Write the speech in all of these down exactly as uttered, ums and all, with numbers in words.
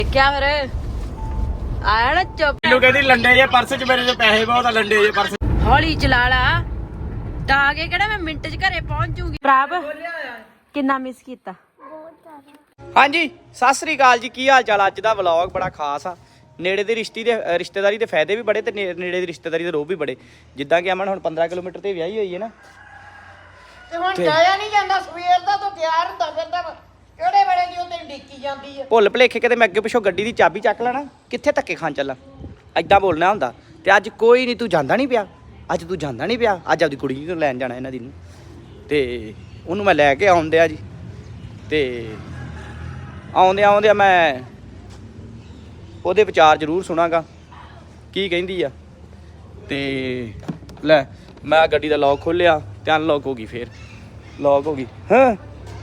क्या फिर आया ना चुप ਮੈਨੂੰ ਕਹਿੰਦੀ ਲੰਡੇ ਜੇ ਪਰਸ ਚ ਮੇਰੇ ਚ ਪੈਸੇ ਬਹੁਤ ਆ ਲੰਡੇ ਜੇ ਪਰਸ हौली चला ला डागे केड़ा मैं मिंट च घरे पहुंच जूंगी प्रभ किन्ना मिस कीता ਹਾਂਜੀ ਸਤਿ ਸ੍ਰੀ ਅਕਾਲ ਜੀ ਕੀ ਹਾਲ ਚਾਲ ਅੱਜ ਦਾ ਵਲੌਗ ਬੜਾ ਖਾਸ ਆ ਨੇੜੇ ਦੇ ਰਿਸ਼ਤੇ ਦੇ ਰਿਸ਼ਤੇਦਾਰੀ ਦੇ ਫਾਇਦੇ ਵੀ ਬੜੇ ਤੇ ਨੇੜੇ ਦੀ ਰਿਸ਼ਤੇਦਾਰੀ ਦੇ ਰੋਹ ਵੀ ਬੜੇ ਜਿੱਦਾਂ ਕਿ ਅਮਨ ਹੁਣ ਪੰਦਰਾਂ ਕਿਲੋਮੀਟਰ ਤੇ ਵਿਆਹੀ ਹੋਈ ਹੈ ਨਾ ਤੇ ਹੁਣ ਜਾਇਆ ਨਹੀਂ ਜਾਂਦਾ ਸਵੇਰ ਦਾ ਤੋਂ ਤਿਆਰ ਹੁੰਦਾ ਫਿਰਦਾ ਕਿਹੜੇ ਵੇਲੇ ਦੀ ਉਹ ਤੈਨੂੰ ਡਿੱਕੀ ਜਾਂਦੀ ਆ ਭੁੱਲ ਭੁਲੇਖੇ ਕਿਤੇ ਮੈਂ ਅੱਗੇ ਪਿੱਛੋਂ ਗੱਡੀ ਦੀ ਚਾਬੀ ਚੱਕ ਲੈਣਾ ਕਿੱਥੇ ਧੱਕੇ ਖਾਣ ਚੱਲਾਂ ਐਦਾਂ ਬੋਲਣਾ ਹੁੰਦਾ ਤੇ ਅੱਜ ਕੋਈ ਨਹੀਂ ਤੂੰ ਜਾਂਦਾ ਨਹੀਂ ਪਿਆ ਅੱਜ ਤੂੰ ਜਾਂਦਾ ਨਹੀਂ ਪਿਆ ਅੱਜ ਆਪਦੀ ਕੁੜੀ ਨੂੰ ਲੈਣ ਜਾਣਾ ਇਹਨਾਂ ਦੀ ਨੂੰ ਤੇ ਉਹਨੂੰ ਮੈਂ ਲੈ ਕੇ ਆਉਂਦਿਆ ਜੀ ਤੇ ਆਉਂਦਿਆਂ ਆਉਂਦਿਆਂ ਮੈਂ ਉਹਦੇ ਵਿਚਾਰ ਜ਼ਰੂਰ ਸੁਣਾਂਗਾ ਕੀ ਕਹਿੰਦੀ ਆ ਤੇ ਲੈ ਮੈਂ ਗੱਡੀ ਦਾ ਲੌਕ ਖੋਲਿਆ ਤੇ ਅਨਲੌਕ ਹੋ ਗਈ ਫੇਰ ਲੌਕ ਹੋ ਗਈ ਹਾਂ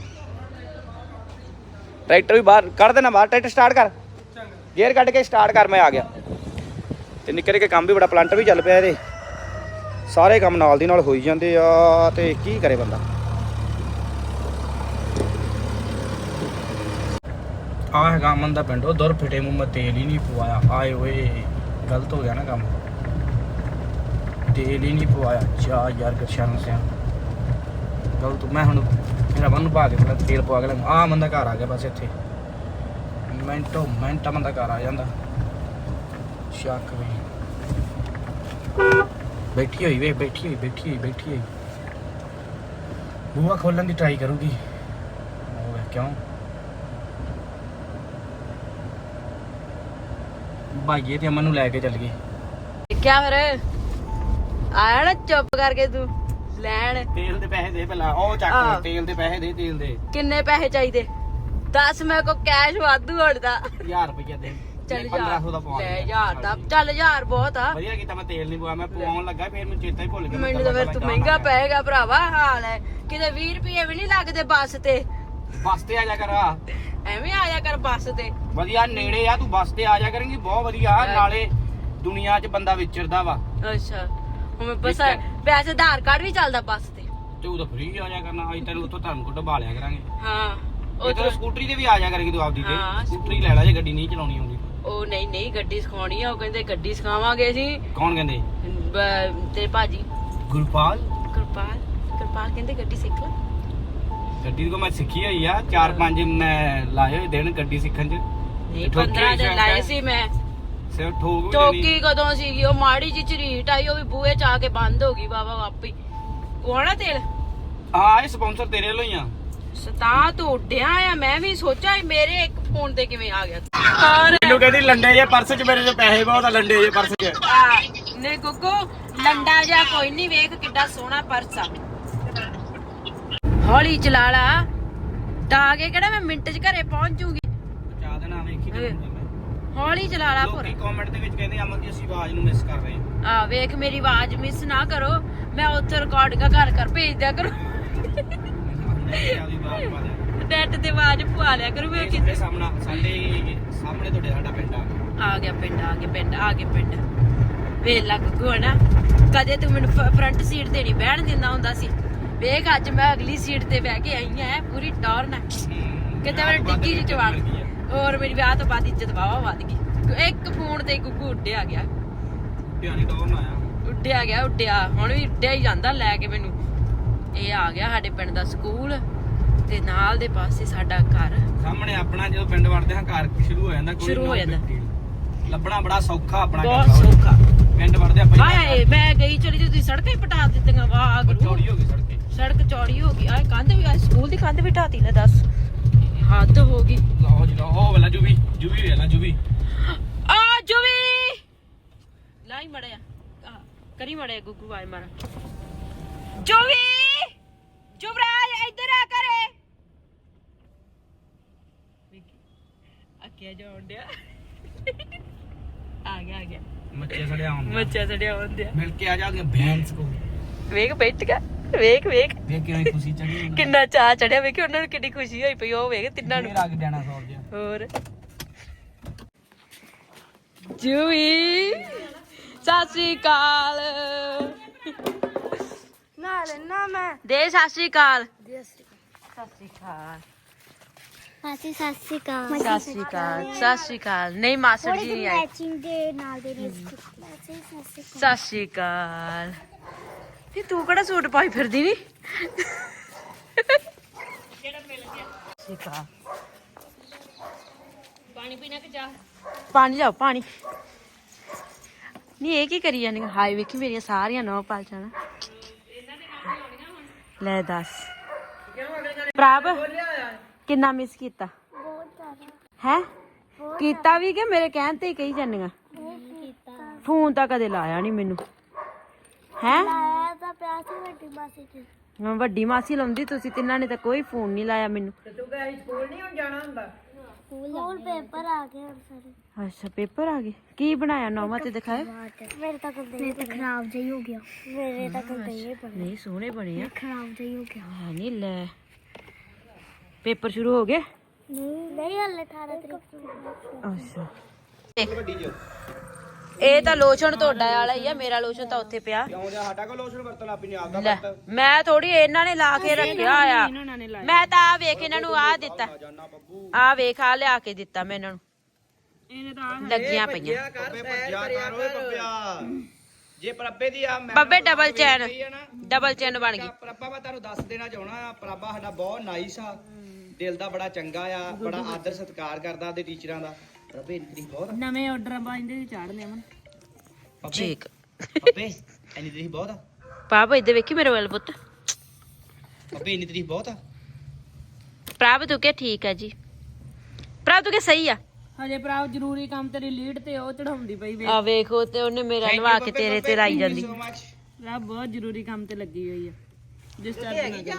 ਟਰੈਕਟਰ ਵੀ ਬਾਹਰ ਕੱਢ ਦੇਣਾ ਬਾਹਰ ਟਰੈਕਟਰ ਸਟਾਰਟ ਕਰ ਗੇਅਰ ਕੱਢ ਕੇ ਸਟਾਰਟ ਕਰ ਮੈਂ ਆ ਗਿਆ ਤੇ ਨਿੱਕੇ ਨਿੱਕੇ ਕੰਮ ਵੀ ਬੜਾ ਪਲੰਟਰ ਵੀ ਚੱਲ ਪਿਆ ਇਹਦੇ ਸਾਰੇ ਕੰਮ ਨਾਲ ਦੀ ਨਾਲ ਹੋਈ ਜਾਂਦੇ ਆ ਤੇ ਕੀ ਕਰੇ ਬੰਦਾ ਆ ਹੈਗਾ ਅਮਨ ਦਾ ਪਿੰਡ ਉਹ ਦੁਰ ਫਿਟੇ ਮੂੰਹ ਮੈਂ ਤੇਲ ਹੀ ਨਹੀਂ ਪਵਾਇਆ ਆਏ ਓਏ ਗਲਤ ਹੋ ਗਿਆ ਨਾ ਕੰਮ ਤੇਲ ਹੀ ਨਹੀਂ ਪਵਾਇਆ ਚਾ ਯਾਰ ਗਰਸ਼ਨ ਸਿਆ ਗਲਤ ਮੈਂ ਹੁਣ ਮੇਰਾ ਬੰਨ ਪਾ ਕੇ ਥੋੜਾ ਤੇਲ ਪਵਾ ਕੇ ਲਾਂ ਆ ਬੰਦਾ ਘਰ ਆ ਗਿਆ ਬਸ ਇੱਥੇ ਮਿੰਟੋ ਮਿੰਟ ਬੰਦਾ ਘਰ ਆ ਜਾਂਦਾ ਸ਼ੱਕ ਵੀ ਬੈਠੀ ਹੋਈ ਵੇ ਬੈਠੀ ਹੋਈ ਬੈਠੀ ਹੋਈ ਬੈਠੀ ਹੋਈ ਬੂਹਾ ਖੋਲਣ ਦੀ ਟਰਾਈ ਕਰੂਗੀ ਉਹ ਕਿਉਂ ਭਾਈਏ ਤੇ ਅਮਨ ਨੂੰ ਲੈ ਕੇ ਚੱਲ ਗਏ क्या फिर आया ना चुप करके तू लैन ਤੇਲ ਦੇ ਪੈਸੇ ਦੇ ਪਹਿਲਾਂ ਉਹ ਚੱਕ ਆਹ। ਤੇਲ ਦੇ ਪੈਸੇ ਦੇ ਤੇਲ ਦੇ किन्ने पैसे चाहिए दस मेरे को कैश वाधू होड़दा ਹਜ਼ਾਰ ਰੁਪਏ ਦੇ चल ਪੰਦਰਾਂ ਸੌ ਦਾ ਪਵਾ ले यार दा चल यार बहुत आ ਵਧੀਆ ਕੀਤਾ ਮੈਂ ਤੇਲ ਨਹੀਂ ਪਵਾਇਆ ਮੈਂ ਪਵਾਉਣ ਲੱਗਾ ਫਿਰ ਮੈਨੂੰ ਚੇਤਾ ਹੀ ਭੁੱਲ ਗਿਆ ਮੈਨੂੰ ਤਾਂ ਫਿਰ ਤੂੰ ਮਹਿੰਗਾ ਪਏਗਾ ਭਰਾਵਾ ਹਾਲ ਹੈ ਕਿਤੇ ਵੀਹ ਰੁਪਏ ਵੀ ਨਹੀਂ ਲੱਗਦੇ ਬੱਸ ਤੇ ਬੱਸ ਤੇ ਆ ਜਾ ਕਰ ਆ ਐਵੇਂ ਆਇਆ ਕਰ ਬੱਸ ਤੇ ਵਧੀਆ ਨੇੜੇ ਆ ਤੂੰ ਬੱਸ ਤੇ ਆ ਜਾ ਕਰੇਂਗੀ ਬਹੁਤ ਵਧੀਆ ਨਾਲੇ ਦੁਨੀਆ 'ਚ ਬੰਦਾ ਵਿਚਰਦਾ ਵਾ ਅੱਛਾ ਹੁਣ ਬਸ ਪੈਸੇ ਆਧਾਰ ਕਾਰਡ ਵੀ ਚੱਲਦਾ ਬੱਸ ਤੇ ਤੇ ਉਹ ਤਾਂ ਫ੍ਰੀ ਆ ਜਾ ਕਰਨਾ ਅਸੀਂ ਤੈਨੂੰ ਉੱਥੋਂ ਧਰਮਕੋਟ ਢਬਾ ਲਿਆ ਕਰਾਂਗੇ ਹਾਂ ਉਹ ਤਾਂ ਸਕੂਟਰੀ ਤੇ ਵੀ ਆ ਜਾ ਕਰੇਂਗੀ ਤੂੰ ਆਪਦੀ ਹਾਂ, ਤੇ ਸਕੂਟਰੀ ਲੈ ਲੈ ਜੇ ਗੱਡੀ ਨਹੀਂ ਚਲਾਉਣੀ ਆਉਂਦੀ ਉਹ ਨਹੀਂ ਨਹੀਂ ਗੱਡੀ ਸਿਖਾਉਣੀ ਆ ਉਹ ਕਹਿੰਦੇ ਗੱਡੀ ਸਿਖਾਵਾਂਗੇ ਅਸੀਂ ਕੌਣ ਕਹਿੰਦੇ ਬ- ਤੇਰੇ ਭਾਜੀ ਗੁਰਪਾਲ ਕਿਰਪਾਲ ਕਿਰਪਾਲ ਕਹਿੰਦੇ ਗੱਡੀ ਸਿੱਖ ਲੈ ਗੱਡੀ ਕੋ ਮੈਂ ਸਿੱਖੀ ਹੋਈ ਆ ਚਾਰ ਪੰਜ ਮੈਂ ਲਾਏ ਹੋਏ ਦਿਨ ਗੱਡੀ ਸਿੱਖਣ 'ਚ ਨਹੀਂ ਠੋਕੀ ਪੰਦਰਾਂ ਦਿਨ ਸ਼ਾਇਦ ਲਾਏ ਸੀ ਮੈਂ ਸਿਰ ਠੋਕ ਵੀ ਲੈਣੀ ਚੌਕੀ ਕਦੋਂ ਸੀਗੀ ਉਹ ਮਾੜੀ ਜਿਹੀ ਝਰੀਟ ਆਈ ਉਹ ਵੀ ਬੂਹੇ ਚ ਆ ਕੇ ਬੰਦ ਹੋ ਗਈ ਬਾਬਾ ਆਪੇ ਕੋਣਾ ਤੇਲ ਹਾਂ ਇਹ ਸਪਾਂਸਰ ਤੇਰੇ ਵੱਲੋਂ ਹੀ ਆ ਸਤਾ ਤੂੰ ਉੱਡਿਆ ਆ ਮੈਂ ਵੀ ਸੋਚਿਆ ਸੀ ਮੇਰੇ ਇੱਕ ਫੋਨ ਤੇ ਕਿਵੇਂ ਆ ਗਿਆ ਔਰ ਮੈਨੂੰ ਕਹਿੰਦੀ ਲੰਡੇ ਜੇ ਪਰਸ 'ਚ ਮੇਰੇ 'ਚ ਪੈਸੇ ਬਹੁਤ ਆ ਲੰਡੇ ਜੇ ਪਰਸ 'ਚ ਨੇ ਗੁੱਗੂ ਲੰਡਾ ਜਿਹਾ ਕੋਈ ਨਹੀਂ ਵੇਖ ਕਿੱਡਾ ਸੋਹਣਾ ਪਰਸ ਆ ਹੌਲੀ ਚਲਾ ਲਾ ਡਾਗੇ ਕਿਹੜਾ ਮੈਂ ਮਿੰਟ ਚ ਘਰੇ ਪਹੁੰਚ ਜੂਗੀ ਚਾਹ ਦੇਣਾ ਵੇਖੀ ਤੇ ਹੌਲੀ ਚਲਾ ਲਾ ਲੋਕੀ ਕਮੈਂਟ ਦੇ ਵਿੱਚ ਕਹਿੰਦੇ ਅਮਨ ਦੀ ਅਸੀਂ ਆਵਾਜ਼ ਨੂੰ ਮਿਸ ਕਰ ਰਹੇ ਹਾਂ ਆ ਵੇਖ ਮੇਰੀ ਆਵਾਜ਼ ਮਿਸ ਨਾ ਕਰੋ ਮੈਂ ਉੱਥੇ ਰਿਕਾਰਡਿੰਗ ਘਰ ਘਰ ਭੇਜ ਦਿਆ ਕਰੋ ਨੈਟ ਤੇ ਆਵਾਜ਼ ਪਵਾ ਲਿਆ ਕਰੂ ਵੇਖ ਕਿੱਥੇ ਸਾਹਮਣਾ ਸਾਡੇ ਸਾਹਮਣੇ ਤੁਹਾਡੇ ਸਾਡਾ ਪਿੰਡ ਆ ਆ ਗਿਆ ਪਿੰਡ ਆ ਗਿਆ ਪਿੰਡ ਆ ਗਿਆ ਪਿੰਡ ਵੇਖ ਲਾ ਗੁੱਗੂ ਹਨਾ ਕਦੇ ਤੂੰ ਮੈਨੂੰ ਫਰੰਟ ਸੀਟ ਤੇ ਨਹੀਂ ਬਹਿਣ ਦਿੰਦਾ ਹੁੰਦਾ ਸੀ ਵੇਖ ਅੱਜ ਮੈਂ ਅਗਲੀ ਸੀਟ ਤੇ ਬਹਿ ਕੇ ਆਈ ਆ ਪੂਰੀ ਟੌਰ ਨਾਲ ਕਿਤੇ ਮੇਰੇ ਡਿੱਗੀ ਜੀ ਚ ਵੜ ਹੋਰ ਮੇਰੀ ਵਿਆਹ ਤੋਂ ਬਾਅਦ ਇੱਜ਼ਤ ਵਾਵਾ ਵੱਧ ਗਈ ਇੱਕ ਫੋਨ ਤੇ ਗੁੱਗੂ ਉੱਡਿਆ ਗਿਆ ਧਿਆਨੀ ਟੌਰ ਨਾ ਆਇਆ ਉੱਡਿਆ ਗਿਆ ਉੱਡਿਆ ਹੁਣ ਵੀ ਉੱਡਿਆ ਹੀ ਜਾਂਦਾ ਲੈ ਕੇ ਮੈਨੂੰ ਇਹ ਆ ਗਿਆ ਸਾਡੇ ਪਿੰਡ ਦਾ ਸਕੂਲ ਤੇ ਨਾਲ ਦੇ ਪਾਸੇ ਸਾਡਾ ਘਰ ਸਾਹਮਣੇ ਆਪਣਾ ਜਦੋਂ ਪਿੰਡ ਵੜਦੇ ਹਾਂ ਘਰ ਸ਼ੁਰੂ ਹੋ ਜਾਂਦਾ ਕੋਈ ਸ਼ੁਰੂ ਹੋ ਜਾਂਦਾ ਲੱਭਣਾ ਬੜਾ ਸੌਖਾ ਆਪਣਾ ਬਹੁਤ ਸੌਖਾ ਪਿੰਡ ਵੜਦੇ ਆਪਾਂ ਹਾਏ ਮੈਂ ਗਈ ਚਲੀ ਤੇ ਤੁਸੀਂ ਸੜਕਾਂ ਹੀ ਪਟਾ ਦਿੱਤੀਆਂ ਵਾਹ ਗੁਰੂ ਚੌੜੀ ਹੋ ਗਈ ਸੜਕੇ ਸੜਕ ਚੌੜੀ ਹੋ ਗਈ ਆ ਕੰਧ ਵੀ ਆ ਸਕੂਲ ਦੀ ਕੰਧ ਵੀ ਢਾਤੀ ਲੈ ਦੱਸ ਹੱਦ ਹੋ ਗਈ ਲਓ ਜੀ ਲਓ ਉਹ ਵੇਲਾ ਜੁਬੀ ਜੁਬੀ ਵੇਲਾ ਜੁਬੀ ਆ ਜੁਵੀ ਲਾਈ ਮੜਿਆ ਕਰੀ ਮੜਿਆ ਗੁੱਗੂ ਆਏ ਮਾਰਾ ਜੁਵੀ ਜੁਵਰਾਜ ਇੱਧਰ ਆ ਕਰੇ ਅੱਕਿਆ ਜਾਉਣ ਡਿਆ ਆ ਗਿਆ ਆ ਗਿਆ ਮੱਛੇ ਸੜਿਆ ਹੁੰਦਾ ਮੱਛਾ ਸੜਿਆ ਹੁੰਦਿਆ ਮਿਲ ਕੇ ਆ ਜਾਦੀਆਂ ਭੈਂਸ ਕੋ ਵੇਖ ਬੈਠ ਗਿਆ ਵੇਖ ਵੇਖ ਵੇਖ ਕਿਵੇਂ ਖੁਸ਼ੀ ਚੜੀ ਕਿੰਨਾ ਚਾਹ ਚੜਿਆ ਵੇਖ ਉਹਨਾਂ ਨੂੰ ਕਿੰਨੀ ਖੁਸ਼ੀ ਹੋਈ ਪਈ ਉਹ ਵੇਖ ਤਿੰਨਾਂ ਨੂੰ ਰੱਖ ਜਾਣਾ ਸੌਰ ਜਿਹਾ ਹੋਰ ਜੂਈ ਸਤਿ ਸ੍ਰੀ ਅਕਾਲ ਨਾ ਲੈਣਾ ਮੈਂ ਦੇ ਸਤਿ ਸ੍ਰੀ ਅਕਾਲ ਦੇ ਸ੍ਰੀ ਸਤਿ ਸ੍ਰੀ ਅਕਾਲ ਮਾਸੀ ਸਤਿ ਸ਼੍ਰੀ ਅਕਾਲ ਸਤਿ ਸ਼੍ਰੀ ਅਕਾਲ ਸਤਿ ਸ਼੍ਰੀ ਅਕਾਲ ਨਹੀਂ ਮਾਸੜ ਜੀ ਨਹੀਂ ਆਏ ਮੈਚਿੰਗ ਦੇ ਨਾਲ ਦੇ ਲਿਪਸਟਿਕ ਮਾਸੀ ਸਤਿ ਸ਼੍ਰੀ ਸਤਿ ਸ਼੍ਰੀ ਅਕਾਲ ਤੇ ਤੂੰ ਕਿਹੜਾ ਸੂਟ ਪਾਈ ਫਿਰਦੀ ਨੀ ਜਿਹੜਾ ਮਿਲ ਗਿਆ ਪਾਣੀ ਪੀਣਾ ਕਿ ਚਾਹ ਪਾਣੀ ਲਿਆਓ ਪਾਣੀ ਨਹੀਂ ਇਹ ਕੀ ਕਰੀ ਜਾਂਦੀ ਹਾਏ ਵੇਖੀ ਮੇਰੀਆਂ ਸਾਰੀਆਂ ਨੌ ਪਾਲ ਜਾਣਾ ਲੈ ਦੱਸ ਪ੍ਰਭ ਕਿੰਨਾ ਮਿਸ ਕੀਤਾ ਬਹੁਤ ਜ਼ਿਆਦਾ ਹੈ ਕੀਤਾ ਵੀ ਕਿ ਮੇਰੇ ਕਹਿਣ ਤੇ ਹੀ ਕਹੀ ਜਾਂਦੀਆਂ ਬਹੁਤ ਕੀਤਾ ਫੋਨ ਤਾਂ ਕਦੇ ਲਾਇਆ ਨਹੀਂ ਮੈਨੂੰ ਹੈ ਆਇਆ ਤਾਂ ਪਿਆ ਸੀ ਵੱਡੀ ਮਾਸੀ ਜੀ ਵੱਡੀ ਮਾਸੀ ਲਾਉਂਦੀ ਤੁਸੀਂ ਤਿੰਨਾਂ ਨੇ ਤਾਂ ਕੋਈ ਫੋਨ ਨਹੀਂ ਲਾਇਆ ਮੈਨੂੰ ਸਕੂਲ ਪੇਪਰ ਆ ਗਏ ਹੁਣ ਸਾਰੇ ਅੱਛਾ ਪੇਪਰ ਆ ਗਏ ਕੀ ਬਣਾਇਆ ਨੌਵਾਂ ਤੇ ਦਿਖਾਏ ਮੇਰੇ ਤਾਂ ਮੇਰੇ ਤਾਂ ਖਰਾਬ ਜਿਹਾ ਹੋ ਗਿਆ ਮੇਰੇ ਤਾਂ ਗੰਦੇ ਬਣੇ ਨਹੀਂ ਸੋਹਣੇ ਬਣੇ ਆ ਖਰਾਬ ਜਿਹਾ ਹੋ ਗਿਆ ਹੈ ਨਹੀਂ ਲੈ ਪੇਪਰ ਸ਼ੁਰੂ ਹੋ ਗਏ ਨਹੀਂ ਨਹੀਂ ਹਲੇ ਅਠਾਰਾਂ ਤਰੀਕ ਨੂੰ ਅੱਛਾ ਇਹ ਤਾਂ ਲੋਸ਼ਨ ਤੁਹਾਡਾ ਵਾਲਾ ਹੀ ਆ ਮੇਰਾ ਲੋਸ਼ਨ ਤਾਂ ਉੱਥੇ ਪਿਆ ਕਿਉਂ ਜਾ ਸਾਡਾ ਕੋ ਲੋਸ਼ਨ ਵਰਤਣ ਲੱਗ ਪਈ ਨਹੀਂ ਆਪਦਾ ਲੈ ਮੈਂ ਥੋੜੀ ਇਹਨਾਂ ਨੇ ਲਾ ਕੇ ਰੱਖਿਆ ਆ ਮੈਂ ਤਾਂ ਆ ਵੇਖ ਇਹਨਾਂ ਨੂੰ ਆ ਦਿੱਤਾ ਆ ਵੇਖ ਆ ਲਿਆ ਕੇ ਦਿੱਤਾ ਮੈਂ ਇਹਨਾਂ ਨੂੰ ਲੱਗੀਆਂ ਪਈਆਂ ਬੱਬੇ ਭੱਜਿਆ ਕਰ ਓਏ ਬੱਬਿਆ ਜੇ ਪ੍ਰੱਬੇ ਦੀ ਆ ਮੈਂ ਬੱਬੇ ਡਬਲ ਚੈਨ ਡਬਲ ਚੈਨ ਬਣ ਗਈ ਪ੍ਰੱਬਾ ਮੈਂ ਤੁਹਾਨੂੰ ਦੱਸ ਦੇਣਾ ਚਾਹਣਾ ਆ ਪ੍ਰੱਬਾ ਸਾਡਾ ਬਹੁਤ ਨਾਈਸ ਆ ਦਿਲ ਦਾ ਬੜਾ ਚੰਗਾ ਆ ਬੜਾ ਆਦਰ ਸਤਿਕਾਰ ਕਰਦਾ ਉਹਦੇ ਟੀਚਰਾਂ ਦਾ ਪ੍ਰੱਬੇ ਇੰਨੀ ਬਹੁਤ ਨਵੇਂ ਆਰਡਰ ਬਾਂਦੇ ਚਾੜਨੇ ਅਮਨ ਠੀਕ ਬੱਬੇ ਇੰਨੀ ਤਰੀਫ ਬਹੁਤ ਆ ਪਾਪ ਇੱਧਰ ਵੇਖੀ ਮੇਰੇ ਵੱਲ ਪੁੱਤ ਬੱਬੇ ਇੰਨੀ ਤਰੀਫ ਬਹੁਤ ਆ ਪ੍ਰਭ ਤੂੰ ਕਿ ਠੀਕ ਆ ਜੀ ਪ੍ਰਭ ਤੂੰ ਕਿ ਸਹੀ ਆ ਹਜੇ ਭਰਾ ਜ਼ਰੂਰੀ ਕੰਮ ਤੇਰੀ ਲੀਡ ਤੇ ਉਹ ਚੜਾਉਂਦੀ ਪਈ ਵੇ ਆ ਵੇਖੋ ਤੇ ਉਹਨੇ ਮੇਰਾ ਨਵਾ ਕੇ ਤੇਰੇ ਤੇ ਲਾਈ ਜਾਂਦੀ ਭਰਾ ਬਹੁਤ ਜ਼ਰੂਰੀ ਕੰਮ ਤੇ ਲੱਗੀ ਹੋਈ ਆ ਜਿਸ ਚਾਰ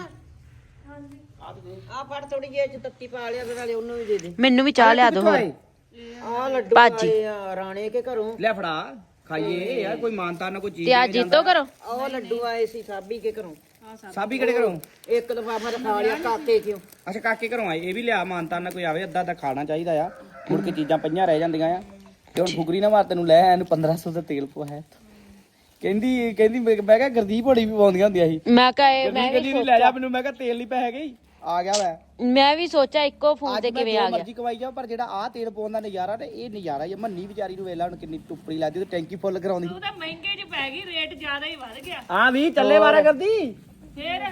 ਆ ਫੜ ਥੋੜੀ ਜਿਹੀ ਚ ਤੱਤੀ ਪਾ ਲਿਆ ਤੇ ਨਾਲੇ ਉਹਨੂੰ ਵੀ ਦੇ ਦੇ ਮੈਨੂੰ ਵੀ ਚਾਹ ਲਿਆ ਦੋ ਹੋਰ ਆ ਲੱਡੂ ਭਾਜੀ। ਆਏ ਆ ਰਾਣੇ ਕੇ ਘਰੋਂ ਲੈ ਫੜਾ ਖਾਈਏ ਯਾਰ ਕੋਈ ਮਾਨਤਾ ਨਾ ਕੋਈ ਚੀਜ਼ ਤੇ ਆ ਜੀਤੋ ਕਰੋ ਉਹ ਲੱਡੂ ਆਏ ਸੀ ਸਾਬੀ ਕੇ ਘਰੋਂ ਸਾਬੀ ਕਿਹੜੇ ਘਰੋਂ ਇੱਕ ਦਫਾ ਖਾ ਲਿਆ ਕਾਕੇ ਕਿਉਂ ਅੱਛਾ ਕਾਕੇ ਘਰੋਂ ਆਏ ਇਹ ਵੀ ਲਿਆ ਮਾਨਤਾ ਨਾ ਕੋਈ ਆਵੇ ਅੱਧਾ ਅੱਧਾ ਖਾਣਾ ਚਾਹੀਦਾ ਆ ਮੁੜ ਕੇ ਚੀਜ਼ਾਂ ਪਈਆਂ ਰਹਿ ਜਾਂਦੀਆਂ ਆ ਤੇ ਹੁਣ ਫੁਗਰੀ ਨਾ ਮਾਰ ਤੈਨੂੰ ਲੈ ਇਹਨੂੰ ਪੰਦਰਾਂ ਸੌ ਦਾ ਤੇਲ ਪਵਾਇਆ ਕਹਿੰਦੀ ਕਹਿੰਦੀ ਮੈਂ ਕਿਹਾ ਗੁਰਦੀਪ ਹੋਣੀ ਵੀ ਪਾਉਂਦੀਆਂ ਹੁੰਦੀਆਂ ਸੀ ਮੈਂ ਕਹੇ ਮੈਂ ਕਹਿੰਦੀ ਨਹੀਂ ਲੈ ਜਾ ਮੈਨੂੰ ਮੈਂ ਕਿਹਾ ਤੇਲ ਨਹੀਂ ਪੈ ਗਈ ਆ ਗਿਆ ਵੈ ਮੈਂ ਵੀ ਸੋਚਿਆ ਇੱਕੋ ਫੋਨ ਤੇ ਕਿਵੇਂ ਆ ਗਿਆ ਮਰਜ਼ੀ ਕਵਾਈ ਜਾ ਪਰ ਜਿਹੜਾ ਆ ਤੇਲ ਪਾਉਣ ਦਾ ਨਜ਼ਾਰਾ ਤੇ ਇਹ ਨਜ਼ਾਰਾ ਹੀ ਆ। ਮੰਨੀ ਵਿਚਾਰੀ ਨੂੰ ਵੇਲਾ ਹੁਣ ਕਿੰਨੀ ਟੁੱਪੜੀ ਲੱਗਦੀ ਤੇ ਟੈਂਕੀ ਫੁੱਲ ਕਰਾਉਂਦੀ ਤੂੰ ਤਾਂ ਮਹਿੰਗੇ ਚ ਪੈ ਗਈ ਰੇਟ ਜ਼ਿਆਦਾ ਹੀ ਵੱਧ ਗਿਆ ਹਾਂ ਵੀ ਚੱਲੇ ਵਾਰਾ ਕਰਦੀ ਫੇਰ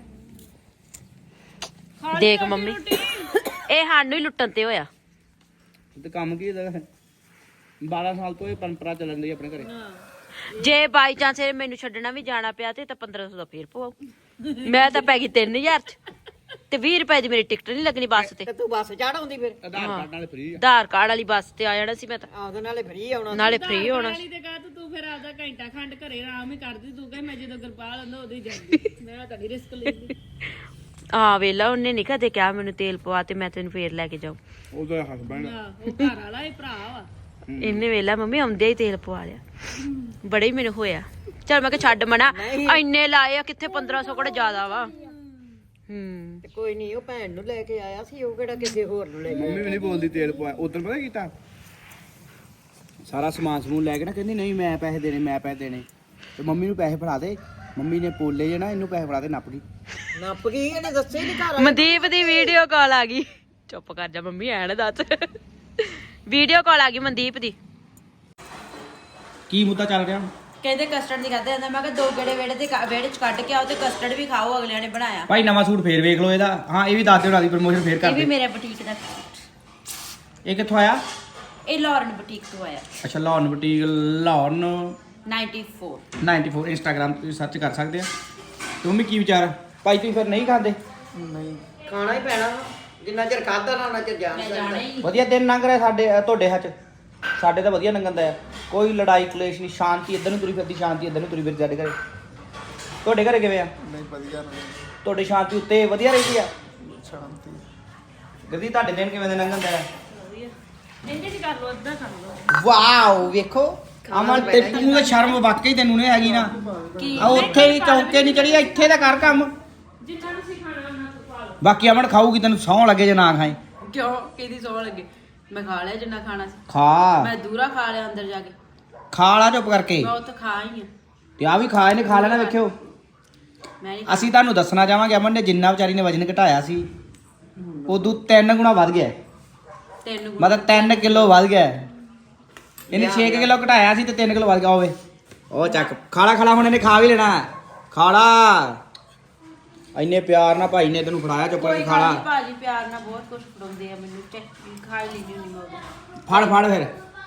ਦੇਖ ਮੰਮੀ ਇਹ ਸਾਨੂੰ ਹੀ ਲੁੱਟਣ ਤੇ ਹੋਇਆ ਤੇ ਕੰਮ ਕੀ ਇਹਦਾ ਬਾਰਾਂ ਸਾਲ ਤੋਂ ਇਹ ਪਰੰਪਰਾ ਚੱਲਣ ਦੀ ਆਪਣੇ ਘਰੇ ਜੇ ਬਾਈ ਚਾਂਸ ਮੈਨੂੰ ਛੱਡਣਾ ਵੀ ਜਾਣਾ ਪਿਆ ਤੇ ਤਾਂ ਪੰਦਰਾਂ ਸੌ ਦਾ ਫੇਰ ਪਵਾਉ ਮੈਂ ਤਾਂ ਪੈ ਗਈ ਤਿੰਨ ਹਜ਼ਾਰ ਚ ਤੇ ਵੀਹ ਰੁਪਏ ਦੀ ਮੇਰੀ ਟਿਕਟ ਨਹੀਂ ਲੱਗਣੀ ਬੱਸ ਤੇ ਤੇ ਤੂੰ ਬੱਸ ਚੜਾਉਂਦੀ ਫਿਰ ਆਧਾਰ ਕਾਰਡ ਨਾਲ ਫ੍ਰੀ ਆ ਆਧਾਰ ਕਾਰਡ ਵਾਲੀ ਬੱਸ ਤੇ ਆ ਜਾਣਾ ਸੀ ਮੈਂ ਤਾਂ ਉਹਦੇ ਨਾਲੇ ਫਰੀ ਆਉਣਾ ਨਾਲੇ ਫ੍ਰੀ ਹੋਣਾ ਵਾਲੀ ਤੇ ਕਹ ਤੂੰ ਫਿਰ ਆਪਦਾ ਘੰਟਾ ਖੰਡ ਘਰੇ ਆਰਾਮ ਹੀ ਕਰਦੀ ਤੂੰ ਕਹੇ ਮੈਂ ਜਦੋਂ ਗੁਰਪਾਲ ਹੁੰਦਾ ਉਦੋਂ ਹੀ ਜਾਂਦੀ ਮੈਂ ਤਾਂ ਨਹੀਂ ਰਿਸਕ ਲੈਂਦੀ ਆ ਵੇਲਾ ਉਹਨੇ ਨਹੀਂ ਕਦੇ ਕਿਹਾ ਮੈਨੂੰ ਤੇਲ ਪਵਾ ਤੇ ਮੈਂ ਤੈਨੂੰ ਫੇਰ ਲੈ ਕੇ ਜਾਉ ਉਹਦਾ ਹਸਬੈਂਡ ਉਹ ਘਰ ਵਾਲਾ ਹੀ ਭਰਾ ਵਾ ਇਹਨੇ ਵੇਲਾ ਮੰਮੀ ਆਉਂਦੇ ਹੀ ਤੇਲ ਪਵਾ ਲਿਆ ਬੜੇ ਹੀ ਮੈਨੂੰ ਹੋਇਆ ਚਲ ਮੈਂ ਕਿਹਾ ਛੱਡ ਮਨਾ ਇੰਨੇ ਲਾਏ ਆ ਕਿੱਥੇ ਪੰਦਰਾਂ ਸੌ ਕੋਲ ਜ਼ਿਆਦਾ ਵਾ ਹੂੰ ਤੇ ਕੋਈ ਨਹੀਂ ਉਹ ਭੈਣ ਨੂੰ ਲੈ ਕੇ ਆਇਆ ਸੀ ਉਹ ਕਿਹੜਾ ਕਿਸੇ ਹੋਰ ਨੂੰ ਲੈ ਕੇ ਮੰਮੀ ਵੀ ਨਹੀਂ ਬੋਲਦੀ ਤੇਲ ਪਵਾ ਉਦੋਂ ਪਤਾ ਕੀਤਾ ਸਾਰਾ ਸਮਾਨ ਸਮੂਨ ਲੈ ਕੇ ਨਾ ਕਹਿੰਦੀ ਨਹੀਂ ਮੈਂ ਪੈਸੇ ਦੇਣੇ ਮੈਂ ਪੈਸੇ ਦੇਣੇ ਤੇ ਮੰਮੀ ਨੂੰ ਪੈਸੇ ਫੜਾ ਦੇ ਮੰਮੀ ਨੇ ਪੋਲੇ ਜੇ ਨਾ ਇਹਨੂੰ ਪੈਸੇ ਫੜਾ ਦੇ ਨੱਪ ਗਈ ਨੱਪ ਗਈ ਇਹਨੇ ਦੱਸੇ ਨਹੀਂ ਘਰ ਮਨਦੀਪ ਦੀ ਵੀਡੀਓ ਕਾਲ ਆ ਗਈ ਚੁੱਪ ਕਰ ਜਾ ਮੰਮੀ ਐਣ ਦੱਸ ਵੀਡੀਓ ਕਾਲ ਆ ਗਈ ਮਨਦੀਪ ਦੀ ਕੀ ਮੁੱਦਾ ਚੱਲ ਰਿਹਾ ਕਹਿੰਦੇ ਕਸਟਰਡ ਦੀ ਖਾਦੇ ਜਾਂਦਾ ਮੈਂ ਕਿਹਾ ਦੋ ਗੇੜੇ ਵੇੜੇ ਤੇ ਵਿਹੜੇ ਚ ਕੱਢ ਕੇ ਆਓ ਤੇ ਕਸਟਰਡ ਵੀ ਖਾਓ ਅਗਲਿਆਂ ਨੇ ਬਣਾਇਆ ਭਾਈ ਨਵਾਂ ਸੂਟ ਫੇਰ ਵੇਖ ਲਓ ਇਹਦਾ ਹਾਂ ਇਹ ਵੀ ਦੱਸ ਦਿਓ ਨਾਲ ਦੀ ਪ੍ਰਮੋਸ਼ਨ ਫੇਰ ਇਹ ਕਰ ਵੀ ਦੇ ਮੇਰੇ ਬੁਟੀਕ ਦਾ ਇਹ ਕਿੱਥੋਂ ਆਇਆ ਇਹ ਲਾਰਨ ਬੁਟੀਕ ਤੋਂ ਆਇਆ ਅੱਛਾ ਲਾਹੌਰ ਬੁਟੀਕ ਲਾਹੌਰ ਚੌਰਾਨਵੇਂ ਚੌਰਾਨਵੇਂ ਇੰਸਟਾਗ੍ਰਾਮ ਤੇ ਸਰਚ ਕਰ ਸਕਦੇ ਆ ਤੇ ਮੰਮੀ ਕੀ ਵਿਚਾਰ ਭਾਈ ਤੁਸੀਂ ਫਿਰ ਨਹੀਂ ਖਾਂਦੇ ਨਹੀਂ ਖਾਣਾ ਹੀ ਪੈਣਾ ਜਿੰਨਾ ਚਿਰ ਖਾਦਾ ਨਾ ਉਹਨਾਂ ਚਿਰ ਜਾਣ ਮੈਂ ਜਾਣਾ ਹੀ ਵਧੀਆ ਦਿਨ ਲੰਘ ਰਿਹਾ ਸਾਡੇ ਅ, ਤੁਹਾਡੇ ਹੱਥ ਸਾਡੇ ਤਾਂ ਵਧੀਆ ਲੰਘਦਾ ਆ ਕੋਈ ਲੜਾਈ ਕਲੇਸ਼ ਨਹੀਂ ਸ਼ਾਂਤੀ ਇੱਧਰ ਨੂੰ ਤੁਰੀ ਫਿਰਦੀ ਸ਼ਾਂਤੀ ਇੱਧਰ ਨੂੰ ਤੁਰੀ ਫਿਰਦੀ ਸਾਡੇ ਘਰੇ ਤੁਹਾਡੇ ਘਰੇ ਕਿਵੇਂ ਆ ਨਹੀਂ ਵਧੀਆ ਨਹੀਂ ਤੁਹਾਡੀ ਸ਼ਾਂਤੀ ਉੱਤੇ ਵਧੀਆ ਰਹਿੰਦੀ ਆ ਸ਼ਾਂਤੀ ਗੱਦੀ ਤੁਹਾਡੇ ਦਿਨ ਕਿਵੇਂ ਦੇ ਲੰਘਦਾ ਆ ਇੰਨੇ ਚ ਕਰ ਲੋ ਅੱਧਾ ਕਰ ਲੋ ਵਾਓ ਵੇਖੋ ਅਮਨ ਤੇ ਤੂੰ ਤਾਂ ਸ਼ਰਮ ਵਾਕਈ ਤੈਨੂੰ ਨਹੀਂ ਹੈਗੀ ਨਾ ਆ ਉੱਥੇ ਹੀ ਚੌਂਕੇ ਨਹੀਂ ਚੜੀ ਇੱਥੇ ਦਾ ਕਰ ਕੰਮ ਜਿੰਨਾ ਤੁਸੀਂ ਖਾਣਾ ਉਹਨਾਂ ਤੋਂ ਪਾ ਲਓ ਬਾਕੀ ਅਮਨ ਖਾਊਗੀ ਤੈਨੂੰ ਸੌਂ ਲੱਗੇ ਜੇ ਨਾ ਖਾਏ ਕਿਉਂ ਕਿਹਦੀ ਸੋਹ ਲੱਗੇ ਮੈਂ ਖਾ ਲਿਆ ਜਿੰਨਾ ਖਾਣਾ ਸੀ ਖਾ ਮੈਂ ਦੂਰਾ ਖਾ ਲਿਆ ਅੰਦਰ ਜਾ ਕੇ ਖਾ ਲਾ ਚੁੱਪ ਕਰਕੇ ਮੈਂ ਉੱਥੇ ਖਾ ਹੀ ਆ ਤੇ ਆ ਵੀ ਖਾ ਇਹਨੇ ਖਾ ਲੈਣਾ ਵੇਖਿਓ ਮੈਂ ਨਹੀਂ ਅਸੀਂ ਤੁਹਾਨੂੰ ਦੱਸਣਾ ਚਾਹਾਂਗੇ ਅਮਨ ਨੇ ਜਿੰਨਾ ਵਿਚਾਰੀ ਨੇ ਵਜਨ ਘਟਾਇਆ ਸੀ ਉਦੋਂ ਤਿੰਨ ਗੁਣਾ ਵੱਧ ਗਿਆ ਤੈਨੂੰ ਮਤਲਬ ਤਿੰਨ ਕਿਲੋ ਵੱਧ ਗਿਆ ਇਹਨੇ ਛੇ ਕਿਲੋ ਘਟਾਇਆ ਸੀ ਤੇ ਤਿੰਨ ਕਿਲੋ ਵੱਧ ਗਿਆ ਹੋਵੇ ਉਹ ਚੱਕ ਖਾਲਾ ਖਾਲਾ ਹੁਣ ਇਹਨੇ ਖਾ ਵੀ ਲੈਣਾ ਖਾਲਾ ਇੰਨੇ ਪਿਆਰ ਨਾਲ ਭਾਈ ਨੇ ਤੈਨੂੰ ਫੜਾਇਆ ਚੁੱਪ ਕੋਈ ਕਰਕੇ ਗੱਲ ਖਾਲਾ ਨੀ, ਭਾਜੀ ਪਿਆਰ ਨਾਲ ਬਹੁਤ ਕੁਝ ਫੜਾਉਂਦੇ ਆ ਮੈਨੂੰ ਚੱਕ ਖਾ ਹੀ ਲੈਂਦੀ ਹੁੰਦੀ ਮੈਂ ਉਦੋਂ। ਫੜ ਫੜ ਫਿਰ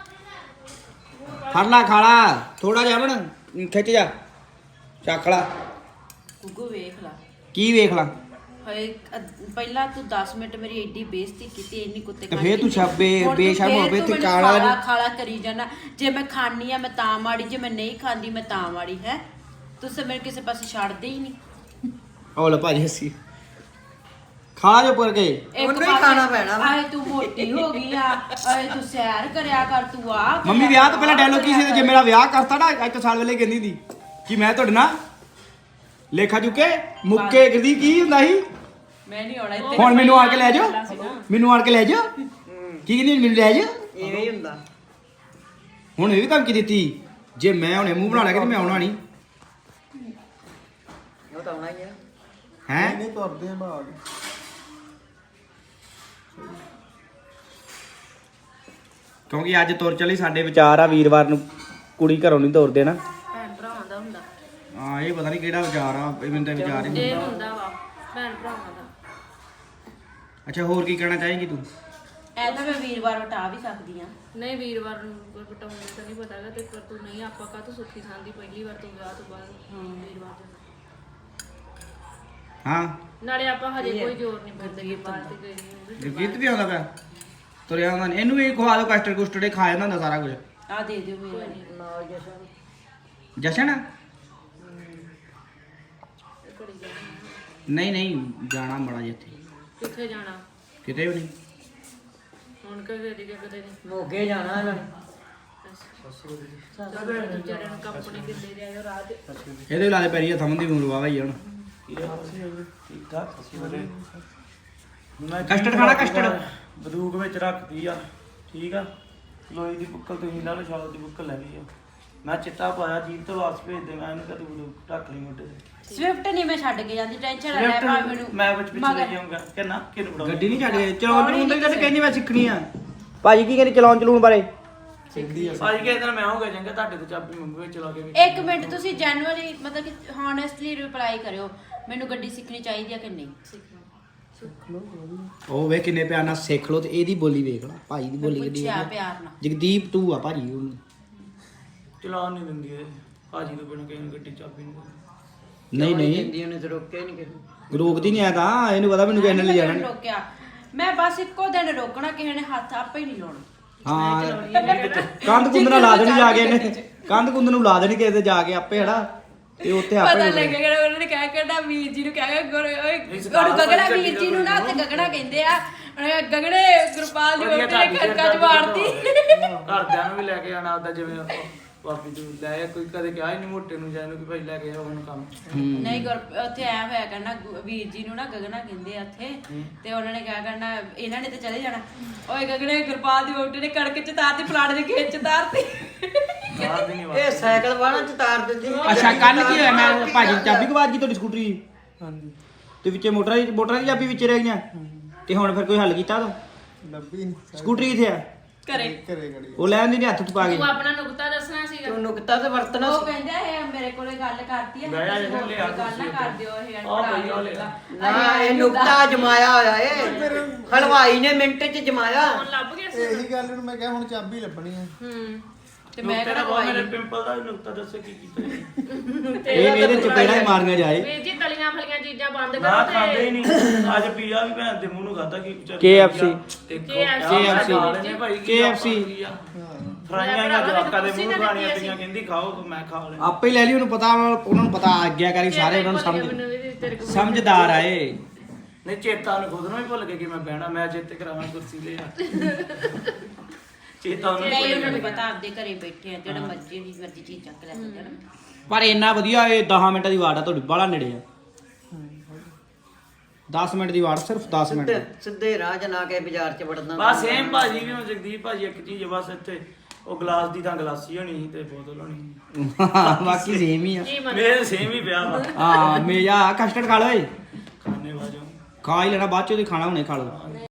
ਫੜ ਲਾ ਖਾਲਾ ਥੋੜਾ ਜਿਹਾ ਬਣ ਖਿੱਚ ਜਾ ਚੱਕ ਲਾ ਗੁੱਗੂ ਵੇਖ ਲਾ ਕੀ ਵੇਖ ਲਾ ਹਏ ਅ- ਪਹਿਲਾਂ ਤੂੰ ਦਸ ਮਿੰਟ ਮੇਰੀ ਐਡੀ ਬੇਇੱਜ਼ਤੀ ਕੀਤੀ ਇੰਨੀ ਕੁੱਤੇ ਤੇ ਖਾਣੀ ਫੇਰ ਤੂੰ ਕੀਤੀ। ਛੱਬੇ- ਹੁਣ ਤੂੰ ਬੇਸ਼ਰਮ ਫੇਰ ਹੋਵੇ ਤੂੰ ਤੇ ਮੈਨੂੰ ਕਾਲਾ ਖਾਲਾ ਨੀ। ਖਾਲਾ ਕਰੀ ਜਾਣਾ ਜੇ ਮੈਂ ਖਾਣੀ ਆ ਮੈਂ ਤਾਂ ਮਾੜੀ ਜੇ ਮੈਂ ਨਹੀਂ ਖਾਂਦੀ ਮੈਂ ਤਾਂ ਮਾੜੀ ਹੈ ਤੁਸੀਂ ਮੇਰੇ ਕਿਸੇ ਪਾਸੇ ਛੱਡਦੇ ਹੀ ਨਹੀਂ ਉਹ ਲੈ ਭਾਜੀ ਹੱਸੀ ਖਾ ਜੋ ਪਰ ਕੇ ਉਹਨੂੰ ਹੀ ਖਾਣਾ ਪੈਣਾ ਆਏ ਤੂੰ ਮੋਟੀ ਹੋ ਗਈ ਆ ਆਏ ਤੂੰ ਸੈਰ ਕਰਿਆ ਕਰ ਤੂੰ ਆ ਮੰਮੀ ਵਿਆਹ ਤੋਂ ਪਹਿਲਾਂ ਡਾਇਲੋਗ ਕੀ ਸੀ ਤੇ ਜੇ ਮੇਰਾ ਵਿਆਹ ਕਰਤਾ ਨਾ ਅੱਜ ਤੋਂ ਸਾਲ ਵੇਲੇ ਕਹਿੰਦੀ ਸੀ ਕਿ ਮੈਂ ਤੁਹਾਡੇ ਨਾਲ ਲੇਖਾ ਚੁੱਕੇ ਮੁੱਕੇ ਕਰਦੀ ਕੀ ਹੁੰਦਾ ਸੀ ਮੈਂ ਨਹੀਂ ਆਉਣਾ ਇੱਥੇ ਹੁਣ ਮੈਨੂੰ ਆਣ ਕੇ ਲੈ ਜਾਓ ਮੈਨੂੰ ਆਣ ਕੇ ਲੈ ਜਾਓ ਕੀ ਕਹਿੰਦੀ ਮੈਨੂੰ ਲੈ ਜਾਓ ਇਵੇਂ ਹੀ ਹੁੰਦਾ ਹੁਣ ਇਹ ਵੀ ਧਮਕੀ ਦਿੱਤੀ ਜੇ ਮੈਂ ਹੁਣੇ ਮੂੰਹ ਬਣਾ ਲਿਆ ਕਿ ਮੈਂ ਆਉਣਾ ਨਹੀਂ ਉਹ ਤਾਂ ਆਉਣਾ ਹੀ ਆ ਹੈ ਨਹੀਂ ਤੁਰਦੇ ਆ ਬਾਗ ਕਿਉਂਕਿ ਅੱਜ ਤੁਰ ਚਲੀ ਸਾਡੇ ਵਿਚਾਰ ਆ ਵੀਰਵਾਰ ਨੂੰ ਕੁੜੀ ਘਰੋਂ ਨਹੀਂ ਤੋਰਦੇ ਨਾ ਭੈਣ ਭਰਾਵਾਂ ਦਾ ਹੁੰਦਾ ਹਾਂ ਇਹ ਪਤਾ ਨਹੀਂ ਕਿਹੜਾ ਵਿਚਾਰ ਆ ਇਹ ਮੈਨੂੰ ਤਾਂ ਵਿਚਾਰ ਹੀ ਇਹ ਨਹੀਂ ਹੁੰਦਾ ਵਾ ਭੈਣ ਭਰਾਵਾਂ ਦਾ ਅੱਛਾ ਹੋਰ ਕੀ ਕਹਿਣਾ ਚਾਹੇਂਗੀ ਤੂੰ ਐ ਤਾਂ ਮੈਂ ਵੀਰਵਾਰ ਵਟਾ ਵੀ ਸਕਦੀ ਆ ਨਹੀਂ ਵੀਰਵਾਰ ਨੂੰ ਕੋਈ ਬਟਾਉਣ ਦਾ ਤਾਂ ਨਹੀਂ ਪਤਾ ਹੈਗਾ ਤੇ ਪਰ ਤੂੰ ਨਹੀਂ ਆਪਾਂ ਕਾ ਤੂੰ ਸੁੱਖੀ ਸਾਂਦੀ ਪਹਿਲੀ ਵਾਰ ਤੂੰ ਵਿਆਹ ਤੋਂ ਬਾਅਦ ਵੀਰਵਾਰ ਦੇ ਹਾਂ ਨਾਲੇ ਆਪਾਂ ਹਜੇ ਕੋਈ ਜ਼ੋਰ ਨਹੀਂ ਪੈਂਦਾ ਕਿ ਬਾਹਰ ਤੇ ਗਏ ਨਹੀਂ ਜਗੀਤ ਵੀ ਆਉਂਦਾ ਪਿਆ ਤੁਰਿਆ ਆਉਂਦਾ ਨੀ। ਇਹਨੂੰ ਵੀ ਖਵਾ ਦਿਓ ਕਸਟਰਡ ਕੁਸਟਰਡ ਇਹ ਖਾ ਜਾਂਦਾ ਹੁੰਦਾ ਸਾਰਾ ਕੁਝ ਆ ਦੇ ਦਿਓ ਮੇਰੇ ਨਾਲ ਜਸ਼ਨ ਜਸ਼ਨ ਨਹੀਂ ਨਹੀਂ ਜਾਣਾ ਬੜਾ ਜਿੱਥੇ ਕਿੱਥੇ ਜਾਣਾ ਕਿਤੇ ਵੀ ਨਹੀਂ ਹੁਣ ਕਦੇ ਦੀ ਕਦੇ ਨਹੀਂ ਮੋਗੇ ਜਾਣਾ ਇਹਨਾਂ ਨੇ ਵਿਚਾਰੇ ਨੂੰ ਕੰਪਨੀ ਕਿੱਲੇ ਦੇ ਆਇਓ ਰਾਤ ਇਹਦੇ ਲਾ ਦੇ ਪੈਰੀ ਹੱਥਾਂ ਮੰਦੀ ਮੂਰ ਵਾਵਾ ਹੀ ਹੁਣ ਠੀਕ ਠਾਕ ਅਸੀਂ ਬੜੇ ਮੈਂ ਕਸਟਰਡ ਖਾਣਾ ਕਸਟਰਡ ਬਦੂਕ ਵਿੱਚ ਰੱਖਦੀ ਆ ਠੀਕ ਆ ਲੋਈ ਦੀ ਬੁੱਕਲ ਤੁਸੀਂ ਨਾਲ ਸ਼ਾਲ ਦੀ ਬੁੱਕਲ ਲੈ ਲਈ ਆ ਮੈਂ ਚਿੱਟਾ ਪਾਇਆ ਜੀਪ ਤੋਂ ਵਾਪਸ ਭੇਜ ਦੇ ਮੈਂ ਇਹਨੂੰ ਕਦੇ ਬਦੂਕ ਢੱਕ ਲਈ ਮੋਢੇ ਤੇ ਸਵਿਫਟ ਨਹੀਂ ਮੈਂ ਛੱਡ ਕੇ ਜਾਂਦੀ ਟੈਨਸ਼ਨ ਨਾ ਲੈ Swift ਪਾ ਮੈਨੂੰ ਮੈਂ ਵਿੱਚ ਪਿੱਛੇ ਲੈ ਮਗਰ- ਕੇ ਆਉਂਗਾ ਕਿ ਨਾ ਕਿਹਨੂੰ ਬੜਾਉਂਗਾ ਗੱਡੀ ਨਹੀਂ ਛੱਡ ਗਏ ਚਲਾਉਣ ਚਲੂਣ ਦਾ ਤਾਂ ਕਹਿੰਦੀ ਮੈਂ ਸਿੱਖਣੀ ਆ ਭਾਜੀ ਕੀ ਕਹਿੰਦੀ ਚਲਾਉਣ ਚਲੂਣ ਬਾਰੇ ਅੱਜ ਕੇ ਦਿਨ ਮੈਂ ਹੋਗਾ ਜਾਂਗਾ ਤੁਹਾਡੇ ਤੋਂ ਚਾਬੀ ਮੰਗੂ ਵਿੱਚ ਚਲਾ ਕੇ ਵੀ ਇੱਕ ਮਿੰਟ ਤੁਸੀਂ ਜੈਨੂਅਲੀ ਮਤਲਬ ਕਿ ਹੌਨੈਸਟਲੀ ਰਿਪਲਾਈ ਕਰਿਓ ਮੈਨੂੰ ਗੱਡੀ ਸਿੱਖਣੀ ਚਾਹੀਦੀ ਆ ਕਿ ਨਹੀਂ ਉਹ ਵੇ ਕਿੰਨੇ ਪਿਆਰ ਨਾਲ ਸਿੱਖ ਲੋ ਤੇ ਇਹਦੀ ਬੋਲੀ ਵੇਖ ਲਾ ਭਾਈ ਦੀ ਬੋਲੀ ਕਿੱਡੀ ਪੁੱਛਿਆ ਵਧੀਆ। ਪਿਆਰ ਨਾਲ ਜਗਦੀਪ ਤੂੰ ਆ ਭਾਜੀ ਉਹਨੂੰ ਚਲਾਉਣ ਨਹੀਂ ਦਿੰਦੀ ਇਹ ਭਾਜੀ ਤੋਂ ਬਿਨਾਂ ਕਿਸੇ ਨੂੰ ਗੱਡੀ ਚਾਬੀ ਨਹੀਂ ਨਹੀਂ ਨਹੀਂ ਕਹਿੰਦੀ ਉਹਨੇ ਤੇ ਰੋਕਿਆ ਹੀ ਨਹੀਂ ਕਿਸੇ ਰੋਕਦੀ ਨਹੀਂ ਆ ਤਾਂ ਇਹਨੂੰ ਪਤਾ ਮੈਨੂੰ ਕਿਸੇ ਨੇ ਲੈ ਜਾਣਾ ਨੀ। ਰੋਕਿਆ ਮੈਂ ਬਸ ਇੱਕੋ ਦਿਨ ਰੋਕਣਾ ਕਿਸੇ ਨੇ ਹੱਥ ਆਪੇ ਹੀ ਨਹੀਂ ਲਾਉਣਾ ਹਾਂ ਕੰਧ ਕੁੰਦ ਨਾਲ ਲਾ ਦੇਣੀ ਜਾ ਕੇ ਇਹਨੇ ਕੰਧ ਕੁੰਦ ਨੂੰ ਲਾ ਦੇਣੀ ਕਿਸੇ ਤੇ ਜਾ ਕੇ ਆਪੇ ਹੜਾ ਤੇ ਉੱਥੇ ਆਪੇ ਪਤਾ ਰੁਕ ਜਾਣਾ। ਲੱਗੇਗਾ ਉਹਨਾਂ ਨੇ ਕਹਿ ਕਹਿਣਾ ਵੀਰ ਜੀ ਨੂੰ ਕਹਿ ਕੇ ਓਏ ਗਗੜਾ ਵੀਰ ਜੀ ਨੂੰ ਨਾ ਤੇ ਗਗੜਾ ਕਹਿੰਦੇ ਆ ਉਹਨੇ ਗਗੜੇ ਗੁਰਪਾਲ ਦੀ ਵੋਟੀ ਨੇ ਖੜਕਾ ਚ ਮਾਰਤੀ ਘਰਦਿਆਂ ਨੂੰ ਵੀ ਲੈ ਕੇ ਆਣਾ ਉਹਦਾ ਜਿਵੇਂ ਆਪਾਂ ਵਾਪੀ ਤੂੰ ਲੈ ਕੋਈ ਕਦੇ ਕਿਹਾ ਹੀ ਨਹੀਂ ਮੋਟੇ ਨੂੰ ਜਾਨੂੰ ਕਿ ਭਾਈ ਲੈ ਕੇ ਆਓ ਉਹਨੂੰ ਕੰਮ ਨਹੀਂ ਗੁਰ ਉੱਥੇ ਐ ਹੋਇਆ ਕਰਨਾ ਗੁ- ਵੀਰ ਜੀ ਨੂੰ ਨਾ ਗਗਨਾ ਕਹਿੰਦੇ ਆ ਉੱਥੇ ਤੇ ਉਹਨਾਂ ਨੇ ਕਿਹਾ ਕਰਨਾ ਇਹਨਾਂ ਨੇ ਤੇ ਚਲੇ ਜਾਣਾ ਓਏ ਗਗੜੇ ਗੁਰਪਾਲ ਦੀ ਵੋਟੀ ਨੇ ਕੜਕ ਚ ਤਾਰਤੀ ਫਲਾਣੇ ਦੇ ਖੇਤ ਚ ਤਾਰਤੀ ਬਾਹਰ ਦੀ ਨਹੀਂ ਇਹ ਸਾਈਕਲ ਵਾਲਾ ਚ ਤਾਰ ਦਿੰਦੀ ਅੱਛਾ ਕੱਲ ਕੀ ਹੋਇਆ ਮੈਂ ਭਾਜੀ ਦੀ ਚਾਬੀ ਗਵਾਚ ਗਈ ਤੁਹਾਡੀ ਸਕੂਟਰੀ ਦੀ ਹਾਂਜੀ ਤੇ ਵਿੱਚੇ ਮੋਟਰਾਂ ਦੀ ਮੋਟਰਾਂ ਦੀ ਚਾਬੀ ਵਿੱਚ ਰਹਿ ਗਈਆਂ ਤੇ ਹੁਣ ਫਿਰ ਕੋਈ ਹੱਲ ਕੀਤਾ ਤੂੰ ਲੱਭੀ ਨਹੀਂ ਸਕੂਟਰੀ ਕਿੱਥੇ ਆ ਘਰੇ ਘਰੇ ਗੜੀ ਉਹ ਲੈ ਆਂਦੀ ਨੇ ਹੱਥ ਚ ਪਾ ਕੇ ਤੂੰ ਆਪਣਾ ਨੁਕਤਾ ਦੱਸਣਾ ਸੀਗਾ ਤੂੰ ਨੁਕਤਾ ਤੇ ਵਰਤਣਾ ਉਹ ਕਹਿੰਦਾ ਇਹ ਮੇਰੇ ਕੋਲੇ ਗੱਲ ਕਰਤੀ ਆ ਮੈਂ ਤੁਸੀਂ ਇਹਨੂੰ ਹੋਰ ਲਿਆ ਕੋਈ ਗੱਲ ਨਾ ਕਰ ਦਿਓ ਇਹ ਆਹ ਭਈ ਆਹ ਲਿਆ। ਨਾ ਇਹ ਨੁਕਤਾ ਜਮਾਇਆ ਹੋਇਆ ਏ ਹਲਵਾਈ ਨੇ ਮਿੰਟ ਚ ਜਮਾਇਆ ਹੁਣ ਲੱਭ ਗਿਆ ਸੀ ਇਹੀ ਗੱਲ ਨੂੰ ਮੈਂ ਕਿਹਾ ਹੁਣ ਚਾਬੀ ਲੱਭਣੀ ਆ ਹੂੰ ਤੇ ਮੈਂ ਨੁਕਤੇ ਕਿਹੜਾ ਦਾ ਬਹੁਤ ਮੇਰੇ ਖਵਾਈ ਪਿੰਪਲ ਦਾ ਵੀ ਨੁਕਤਾ ਦੱਸੇ ਕੀ ਕੀਤਾ ਜੀ। ਇਹ ਇਹਦੇ ਚਪੇੜਾ ਹੀ ਮਾਰਨੀਆਂ ਜਾਏ ਵੀਰ ਜੀ ਤਲੀਆਂ ਫਲੀਆਂ ਚੀਜ਼ਾਂ ਬੰਦ ਨਾ ਕਰੋ ਖਾਂਦੇ ਹੀ ਤੇ ਨਹੀਂ ਅੱਜ ਪੀਆ ਵੀ ਭੈਣ ਦੇ ਮੂੰਹ ਨੂੰ ਖਾਦਾ ਕੀ ਵਿਚਾਰ K F C ਤੇ K F C K F C K F C ਫਰਾਈਆਂ ਜਾਂ ਜਵਾਕਾਂ ਦੇ ਮੂੰਹ ਖਾਣੀਆਂ ਪਈਆਂ ਕਹਿੰਦੀ ਖਾਓ ਤੇ ਮੈਂ ਖਾ ਲਿਆ ਆਪੇ ਹੀ ਲੈ ਲਈ ਉਹਨੂੰ ਪਤਾ ਉਹਨਾਂ ਨੂੰ ਪਤਾ ਆਗਿਆਕਾਰੀ ਸਾਰੇ ਉਹਨਾਂ ਨੂੰ ਸਮਝ ਮੈਨੂੰ ਵੀ ਤੇਰੇ ਕੋਲ ਸਮਝਦਾਰ ਆਏ ਨਹੀਂ ਚੇਤਾ ਨੂੰ ਖੁਦ ਨੂੰ ਹੀ ਭੁੱਲ ਗਿਆ ਕਿ ਮੈਂ ਬਹਿਣਾ ਮੈਂ ਜਿੱਤੇ ਕਰਾਵਾਂ ਕੁਰਸੀ ਲੈ ਆ ਚੇਤਾ ਉਹਨੂੰ ਨਹੀਂ ਭੁੱਲ ਉਹਨਾਂ ਨੂੰ ਗਿਆ ਪਤਾ ਆਪਦੇ ਘਰੇ ਬੈਠੇ ਆ ਜਿਹੜਾ ਮਰਜ਼ੀ ਦੀ ਮਰਜ਼ੀ ਚੀਜ਼ ਚੱਕ ਲੈ ਸਕਦੇ ਨਾ ਪਰ ਇੰਨਾ ਵਧੀਆ ਇਹ ਦਸ ਮਿੰਟਾਂ ਦੀ ਵਾਟ ਆ ਤੁਹਾਡੀ ਬਾਹਲਾ ਨੇੜੇ ਆ ਦਸ ਮਿੰਟ ਦੀ ਵਾਟ ਸਿਰਫ ਦਸ ਮਿੰਟ ਸਿੱਧੇ ਸਿੱਧੇ ਰਾਹ ਚ ਨਾ ਕੇ ਬਾਜ਼ਾਰ ਚ ਵੜਨਾ ਬਸ ਸੇਮ ਭਾਜੀ ਵੀ ਹੁਣ ਜਗਦੀਪ ਭਾਜੀ ਇੱਕ ਚੀਜ਼ ਆ, ਬਸ ਇੱਥੇ ਉਹ ਗਲਾਸ ਦੀ ਤਾਂ ਗਲਾਸੀ ਹੋਣੀ ਸੀ ਤੇ ਬੋਤਲ ਹੋਣੀ ਸੀ। ਬਾਕੀ ਸੇਮ ਹੀ ਆ ਕੀ ਮਤਲਬ ਮੇਰੇ ਸੇਮ ਹੀ ਪਿਆ ਵਾ ਹਾਂ ਮੇਜਾ ਕਸਟਰਡ ਖਾ ਲਓ ਏ ਖਾਣੇ ਵਾਜੋ ਖਾ ਹੀ ਲੈਣਾ ਬਾਅਦ ਚ ਉਹਦੀ ਖਾਣਾ ਹੁਣੇ ਖਾ ਲਓ